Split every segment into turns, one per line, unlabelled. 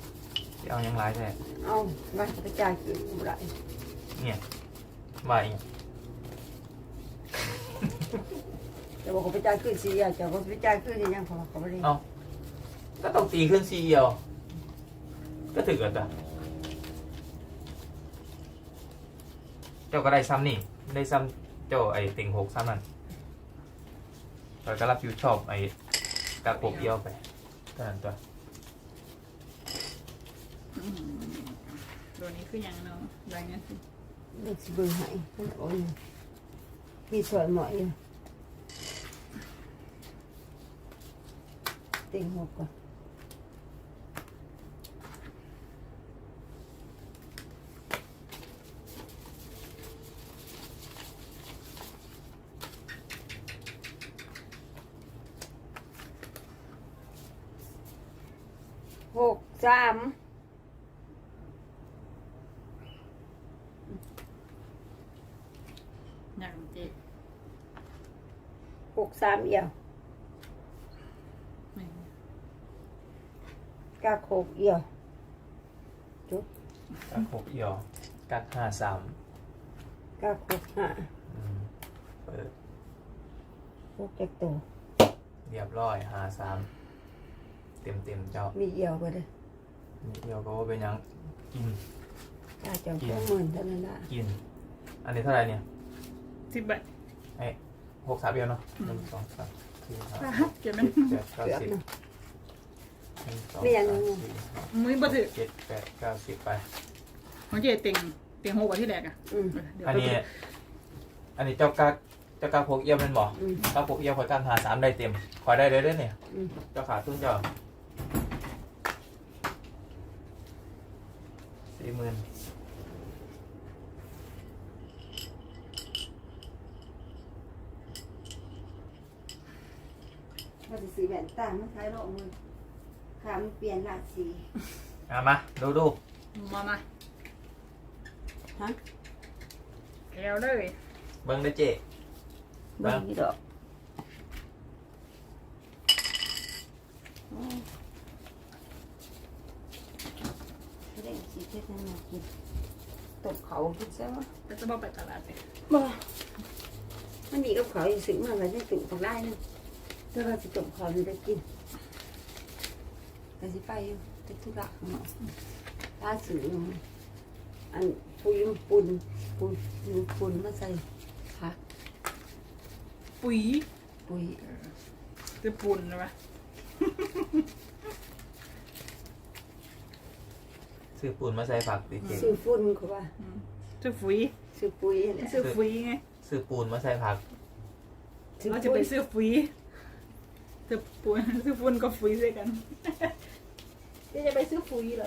เ
เอายังไรแท้
เอามาไปจ่ายคืนบ่ได้
เนี่ยว่าอีก
แต่บอกเขาไปจ่ายคืน4จะบ่ไปจ่ายคืนยังพอเขาบ่ได้
เอาก็ต้องตีขึ้นซีเอียวก็ถึกแล้วจ้ะเจ้าก็ได้ซ้ำนี่ได้ซ้ำเจ้าไอ้ติ่งหกซ้ำนั่นเราก็รับผิดชอบไอ้กากบเอียวไปเท่านั้นตัว
ตัวนี้คืออย่างเนาะรายงานสิ
เด็กสิเบิ่งให้เพิ่นโอ้ยมีสวยหมอยอยู่เต็งหกก่อน6 3
อย่างเจ๊
6 3เอี่ยว
หนึ่ง
กากหกเอี่ยว
กากบเอียวกาก53
กากหกห้า
เปิด
หกจักตัว
เรียบร้อย53เต็มเจ้า
มีเอี่ยวบ่เด้อ
นี่เอียวก็ว่าเป็นหยังกิน
กาเจ้า20,000เท่านั้นล่ะ
กิน อันนี้เท่าไหร่เนี่ย
10 บาท
ไอ้6 3เอียวเนาะ1 2 3 4 5
เก็บ
6
มัน
7 8 9
เกือบ
10
เนาะ
1 2
ไม่อยาก
3
รู้
4
มือบ่ถือ
5 7 8 9 10ไป
ของเจ๊เต็งหกกว่าที่แรกอ่ะ
อืม
เดี๋ยว
อัน
ไป
นี้ อันนี้เจ้ากากพกเอี้ยวเป็นบ่
อืม
กากพกเอี้ยวคอยการหา3ได้เต็มคอยได้เลยเด้อเนี่ย
อืม
เจ้าขาตุ้นเจ้า40,000
ว่าสิซื้อแว่นตามาใช้รอบมือขามันเปลี่ยนราสี
มาดู
มา
ฮะ
แก้วเลย
เบิ่งได้อเจ๊
เบิ่งอีดอกเร่งสิเฮ็ดให้มากินตบเขากินซะวะ
ก็จะบอกไปตลาดเลย
บ่มันมีกับเขาอยู่ซื้อมาไว้ในตู้ปากได้นึงถ้าเราสิตบเขามันจะกินก็สิไปอยู่ติดธุระของเราตาซื้ออันปุนมาใส่ผัก
ปุ๋ย
ปุ๋ย
คือปุ่นนะวะ
ซื้อปูนมาใส่ผักดิเจ๊
ซื้อฝุ่นเขาว่า
ซื้อปุ๋ย
ซื้อปุ๋ยแหละ
ซื้อปุ๋ยไง
ซื้อปูนมาใส่ผัก
เราจะไปซื้อปุ๋ยซื้อปุ๋ยซื้อฝุ่นกับปุ๋ยด้วยกันจะไปซื้อปุ๋ยเลย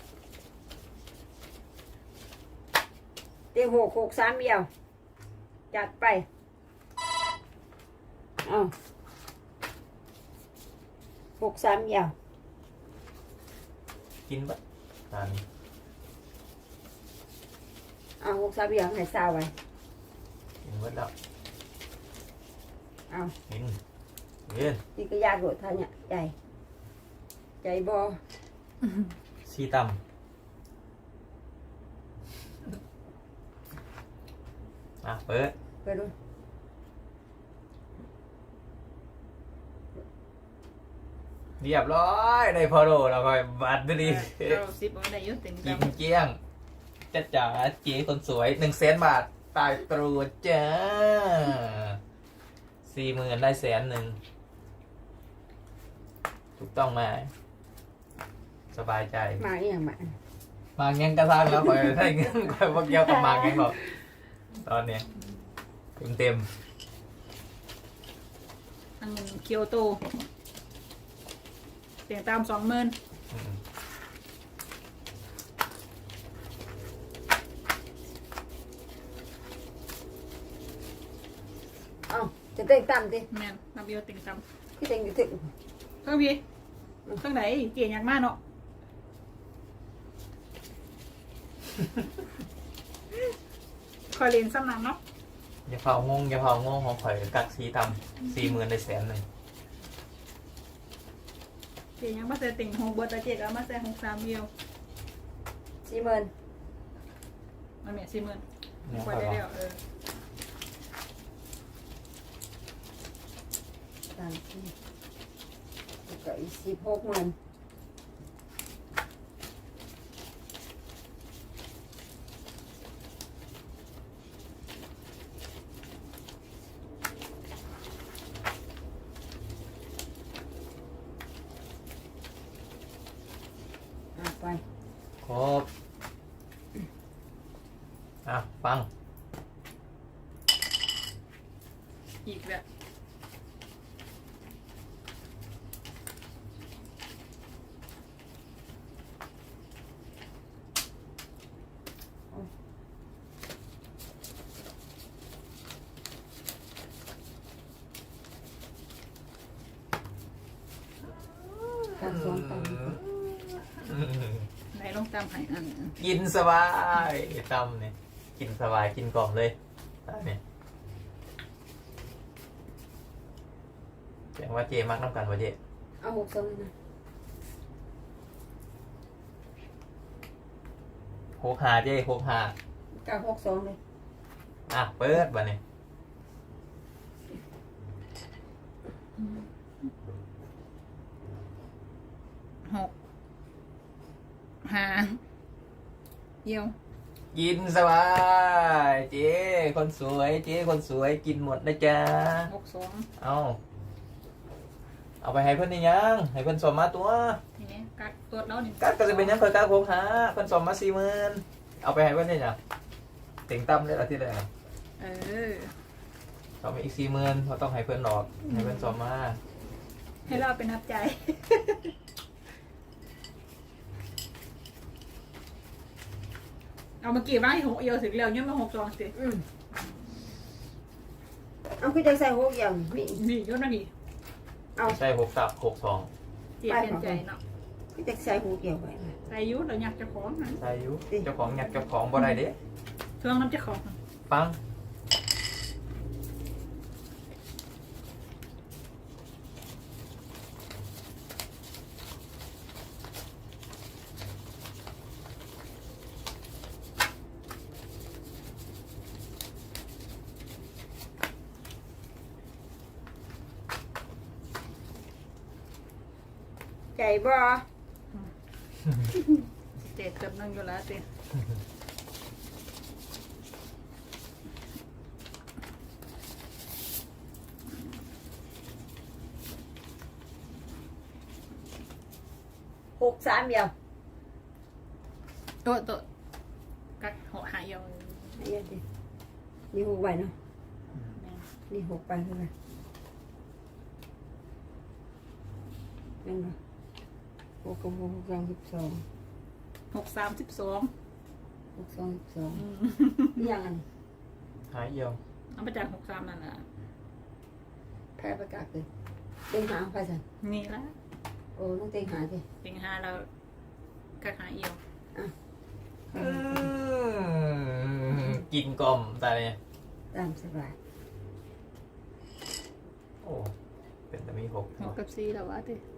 เต็ง6 6 3เอี่ยวจัดไปเอา6 3เอี่ยว
กินบะตอนนี้
เอา6 3เอี่ยวให้ซาวไว้
กินเบิดแล้ว
เอา
กินเรียน
นี่ก็ยากโดดท่าเนี่ยใจบ่
ซีตำเปิด
ไปดู
เรียบร้อยได้พอโดแล้วก็บัตรดี
เราซิปเอาได้ยุ่งเต็ม
กิ
เต็
นเกลี้ยงจ้าจ๋าเจ๊คนสวย100,000 บาทตายตรูจ้า40,000ได้100,000ถูกต้องไหมสบายใจ
มาอีหยังมา
มาเงี้ยกระซังแล้วคอยได้เงี้ยคอยพวกเกี่ยวกับมาเงี้ยบอกตอนเนี้ยเต็ม
อันเกียวโตเสียงตาม20,000
เอาจะเต้นต่ำดิ
แม่นนับเยอะเต็งตาม
คือเต้นอยู่ถึง
ข้างพี่ข้างไหนเกี่ยงยากมากเนาะคอยเรียนซ้ำนันเนาะ
อย่าเผางงของข่อยกักซีตำ40,000ได้100,000
เกี่ยงยังมาใส่เต็งหกเบอร์ตาเจ็ดแล้วมาใส่หกสามเดียว
40,000
มันเมีย40,000
เนี่ย
คว
ค่
ร
อย
ได้
บอก
แล้ว
3 4แล้วก็อีก16,000ไป
ครบฟัง
อีกแล้ว
การสอนต่าง
ไหนลงตามให้อัน
กินสบายตำเนี่ยกินสบายกินกล่อมเลยตาเนี่ยแสดงว่าเจมักน้ำกันว่าเจ
เอา62เลยนะ
65เจ65
กับ62เลย
เปิดบ่เนี่ย
6 5เยี่ยว
กินสบายเจคนสวยเจคนสวยกินหมดนะจ๊ะ
62
เอาไปให้เพื่อนนี่ยังให้เพื่อนสมมาตัว
ทีนี้กัดตัวแล้วนี่
กัดก็จะเป็นยังเคยกัด65เพื่อนสมมา40,000เอาไปให้เพื่อนนี่ยังเต็งตั้มได้ละที่ไหน
เออ
เอาไปอีก40,000เพราะต้องให้เพื่อนหลอกให้เพื่อนสมมา
ให้เราเป็นนับใจ เอามากี่บ้างให้6เอียวถึงแล้วเนี่ยมา62สิ
เอาคือจะใส่6อย่างมี
นี่ยศนะนี่
ใช่62
เจียเป็นใจเนาะ
คือจะใส่6อย่างไว้นะ
ใส่ยุเราอยากจะของนะ
ใช่อยุเจ้าของอยากเจ้าของบ่ได้เด้
เทืองน้ำจะของ
ฟัง
ใจบ่
เจ็ดเกือบนั่งอยู่แล้วสิ
63อย่าง
ตัวกัดหัวหายเอียว
อันนี้ดินี่6ใบเนาะนี่6ใบเท่าไหร่นั่นบ่6กับ6 12
632
12นี่ยังอัน
หายเอี่ยว
เอาไปจาก63นั่นแหละ
แพ้ประกาศเลยเต็งหาไปสั่น
นี่ละ
โอ้ต้องเต็งหาสิ
ติง5แล้วกัดหายเอียว
กินกล่อมแต่เนี่ย
ตามสบาย
โอ้เป็นแต่มี6
6กับ4แล้ววะติ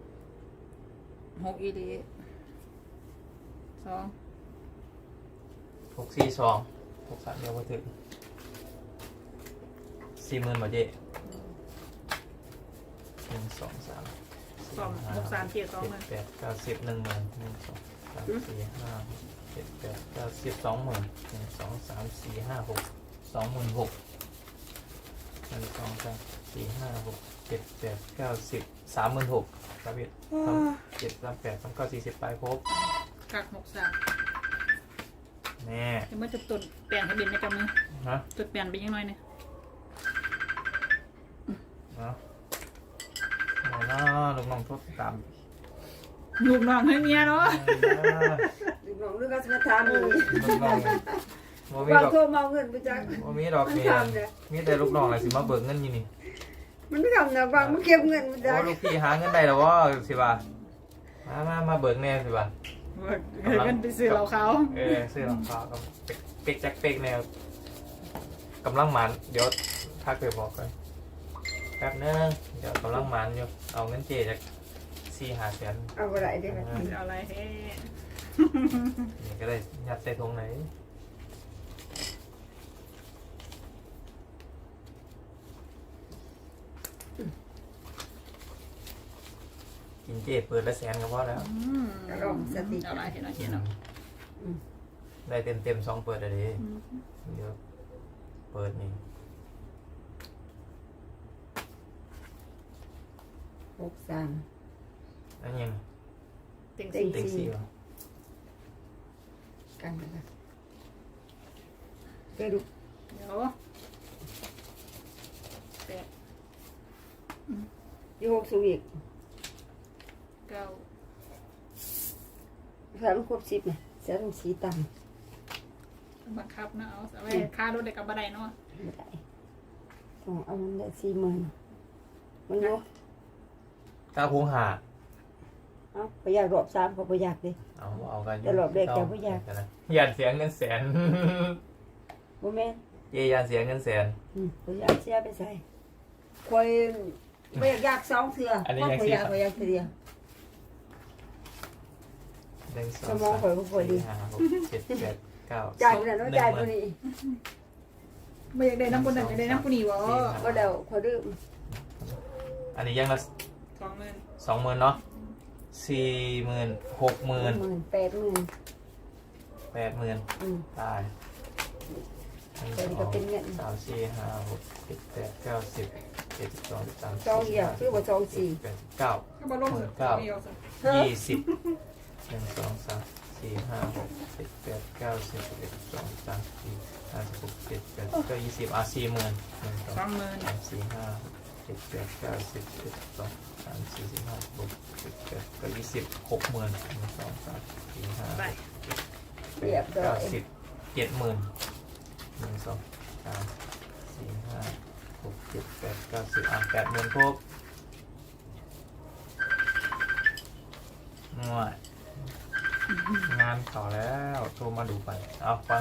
6อีดี2
642 63เดียวมาถึง40,000บ่เจ1 2 3
63เกียร์2มัน
7 8 9 10 10,000 1 2 3 4 5 7 8 9 10 20,000 1 2 3 4 5 6 26,000 1 2 3 4 5 6 7 8 9 10 36,000ครับพี่7 38 39 40ไปครบ
กัด63
แน่
เดี๋ยวมันจะตุ่นเปลี่ยนให้บินในกำมือ
ฮะ
ตุ่นเปลี่ยนไปยังน้อยเนี่ย
เนาะเอาเนาะลูกน้องโทษตาม
ลูกน้องให้เมียเนาะ
ลูกน้องเรื่องการมาทำนี่
ลูกน้องบ่มี
บาง
ดอก
โทรมาเอาเงินไปจัก
บ่มีดอกเมียมีแต่ลูกน้องอะไรสิมาเบิกเงินอยู่นี่
มันไม่ทำนะบางมันเก็บเงินไปจัก
โอ้ลูกพี่หาเงินได้แล้วว่าสิบ่ามาเบิกแน่สิบ่า
กันไปซื้อเราเขา
ซื้อรองเท้ากับเป็กแจ็คเป็กแนวกำลังหมันเดี๋ยวถ้าเคยบอกกันแป๊บนึงเดี๋ยวกำลังหมันอยู่เอาเงินเจจาก4-5 แสน
เอาอะไรได้ไหม
เอาอะไรเฮ้
นี่ก็ได้ยัดใส่ถุงไหนกินเจ๊เปิดละแสนก็พอแล้ว
กระรองสติ
อะไรเห็นไหมเห็นเนาะ
ได้เต็มสองเปิดอะไรเดี๋ยวเปิดนี่
63
แล้วยัง
เต็ง
เต็
สี่
ง
เต็งสี่วะ
กันนะคะไปดู
เดี๋ยวแปด
ที่6สูงอีก
เก้า
ถ้ามันครบ10เนี่ยเสียต้องสีต่ำ
บังคับนะเอาไว้ค่ารถเด็กกับบันไดเนาะ
ไม่ได้ต้องเอามันได้40,000มันรู้
ถ้าพุงหา
เอ้าประหยัดรอบ3ก็ประหยัดดิ
เอากัน
แต่รอบแรกจะบ่อยาก
ยานเสียเงินแสน
บ่แม่น
เจยานเสียเงินแสน
ประหยัดเสียไปใส่คอยบ่อยาก2เทื่อ
อันนี้ยัง
ประหยัด
สี่
ประหยัดเทื่อเดียว
หนึ่งสอง
สมองข่อยบ่ค่อยดี
สี่ห้าหกเจ็ดแปดเก้า
จ่ายไปแล้วจ่ายตัวนี้
ไม่อยากได้น้ำบนอยากได้น้ำกุนีวะ
บ่เดาขอดื้อ
อันนี้ยังละ
20,000
20,000เนาะ40,000 60,000
80,000
80,000 ตายหนึ่ง
แต่นี่ก็เป็นเงิน
สองสามสี่ห้าหกเจ็ดแปดเก้าสิบเจ็ดสิบสองสิบสาม
สองเหี่ยวคือว่าสองสี่
แปดเก้า
ก็บอลลงสุดไม่เอาสิ
20หนึ่งสองสามสี่ห้าหกเจ็ดแปดเก้าสิบสิบเอ็ดสิบสองสิบสามสิบสี่ห้าสิบหกเจ็ดแปดเก้า2040,000หนึ่งสอง
20,000
สามสี่ห้าหกเจ็ดแปดเก้าสิบสิบเอ็ดสิบสองสามสี่สิบห้าหกเจ็ดแปดเก้า60,000หนึ่งสองสามสี่ห้า
ไป
เรียบร้อย
70,000หนึ่งสองสามสี่ห้าหกเจ็ดแปดเก้าสิบ80,000ครบง่วยงานเขาแล้วโทรมาดูไปเอาฟัง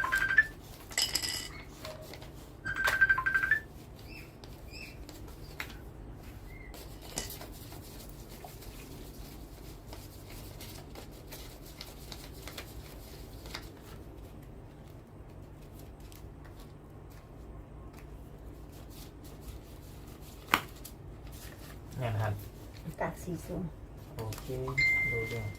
งานหัน
กากสีส้ม
โอเคดูเรื่อง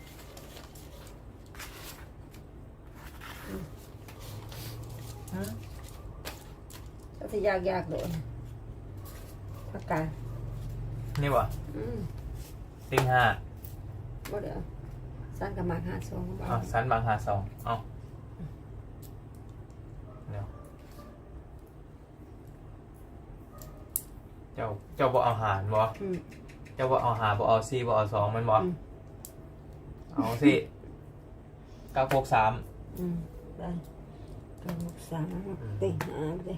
ก็จะยากโดนผักกาด
นี่วะ
อืม
ติงห้า
บ่เดี๋ยวสั้นกับมาก52บา
อ๋อ
ท
สันบางหาสองเอาเดี๋ยวเจ้าบ่เอาหารบ่ เจ้าบ่เอาหาบ่เอา4บ่เอา2มันบ่ เอาสิ963
ได้963ติหาไป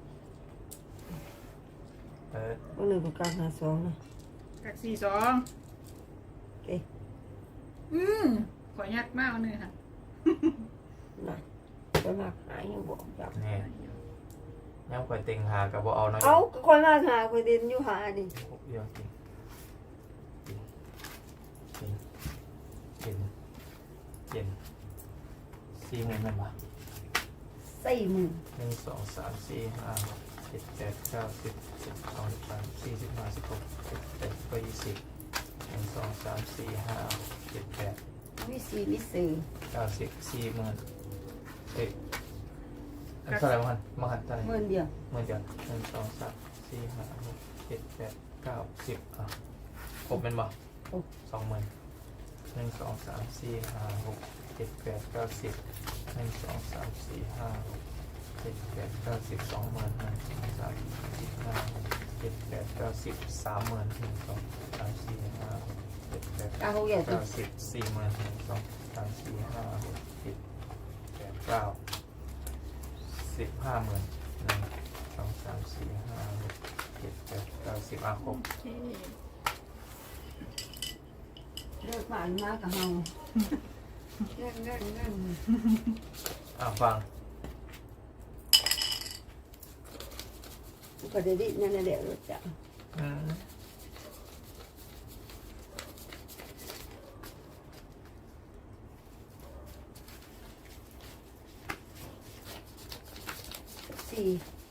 บ่นึงก็952นะ
กัก42ขอยักมากเลยค่ะ
นะไปมากหายังบ่จับ
นี่ย่ำข่อยติงหากับบ่เอาน้อย
เอาคนมากหาคนเดินอยู่หานี่
เดียวจริงเย็น40,000มันบ่
40,000
1 2 3 4 5 6 7 8 9 10 12 13 14 15 16 17 18 20 1 2 3 4 5 6 7 8
มีสีมีสื่อ
90 40,000เอ๊ะอันเท่าไหร่มาหันเท่าไหร่
เงินเดียว
เหมือนกัน1 2 3 4 5 6 7 8 9 10อ่ะครบเป็นบ่20,000 1 2 3 4 5 6 7 8 9 10 1 2 3 4 5 6 7 8 9 10 20,000 1 2 3 4 5 6 7 8 9 10 30,000 1 2 3 4 5 6 7 8
กาเขาใหญ่ตัว
90 40,000 1 2 3 4 5 6 7 8 9 15,000 1 2 3 4 5 6 7 8 9 10ครบ
เลิกผ่านมากับเฮาเงิน
ฟัง
ก็ได้ดินั่นน่ะแหละรถจักร
อืม
สี่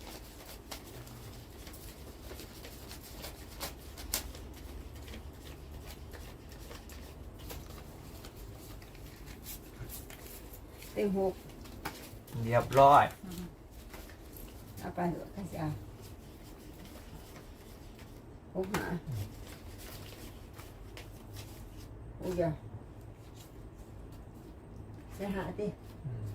เต็งหก
เรียบร้อย
เอาไปเหอะข้าจะเอาหกหาโอ้ยไปหาดิ
อืม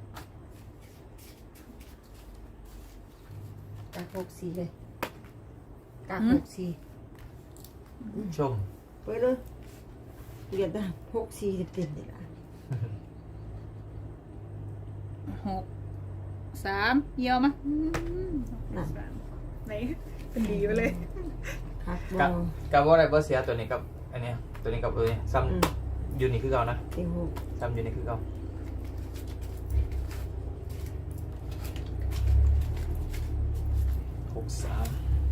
กากหกสี่เลยกากหกสี่
ชม
ไปเลยเรียนได้หกสี่เต็มเลยล่ะ
หกสามเยี่ยมมั้ย
นั่น
ไหนเป็นดีไปเลย
ครับบ
กั
อบ
กับว่าอะไรบ่เสียตัวนี้กับอันเนี้ยตัวนี้กับตัวนี้ซ้ำอยู่นี่คือเก่านะ
เต็งหก
ซ้ำอยู่นี่คือเก่า63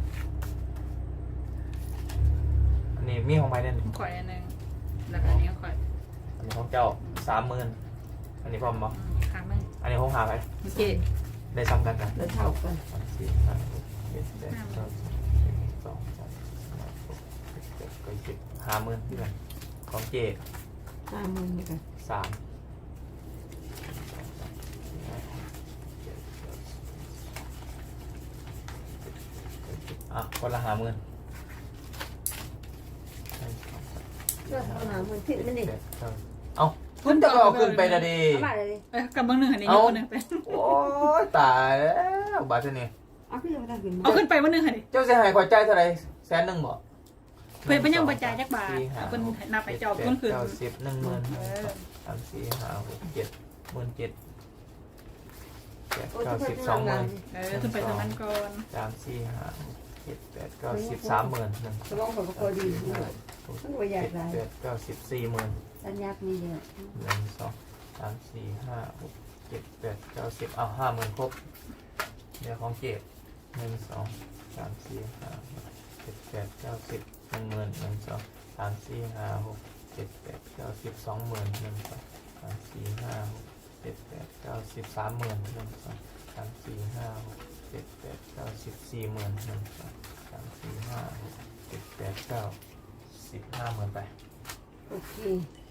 อันนี้มีของไม้เนี่ย
ข่อยอันหนึงแล้วก็อันนี้ก็ข่อย
อันนี้ของเจ้า30,000อันนี้พร้อมบ่
ครั้งหนึง
อันนี้ของหาไป
โอเค
ได้ซ้ำกันกัน
แล้วเท่ากัน
3 4 5 6 7 8 9 10 12 13 14 15 16 17 18 19 20 50,000ที่กันของเจ
50,000เหมือนกัน
3อ่ะคนละ50,000
เชื่อเขาหนามันผิดมันนี่
เอ้าขึ้นจะเอาขึ้นไปนะดิ
เอามาเลย
เอ้ยกับบางหนึ่งอันนี้ยกคนหนึ่งไป
โอ้ยตายแล้วบาทนี่
เอาขึ้นมาได้ขึ้นมา
เอาขึ้นไปบางหนึ่งอันนี้
เจ้าเสียหายขอใจเท่าไหร่100,000บ่
เพื่อนเป็นยังบรรจายจักบาทเอาเป็นนับไปเจ้าต้นคืน
90 10 10,000 3 4 5 6 7 17,000 8 9 10 20,000
ขึ้นไปทางนั้นก่อน
3 4 5 6 7 8 9 10 30,000
สมองผมก็พอดีด้วยมันก็อยากได้
7 8 9 10 40,000
สัญญาณมีเยอะ
1 2 3 4 5 6 7 8 9 10เอา50,000ครบเดี๋ยวของเก็บ1 2 3 4 5 6 7 8 9 10 10,000 1 2 3 4 5 6 7 8 9 10 20,000 1 2 3 4 5 6 7 8 9 10 30,000 1 2 3 4 5 6 7 8 9 10 40,000 1 2 3 4 5 6 7 8 9 10 50,000ไป
โอเค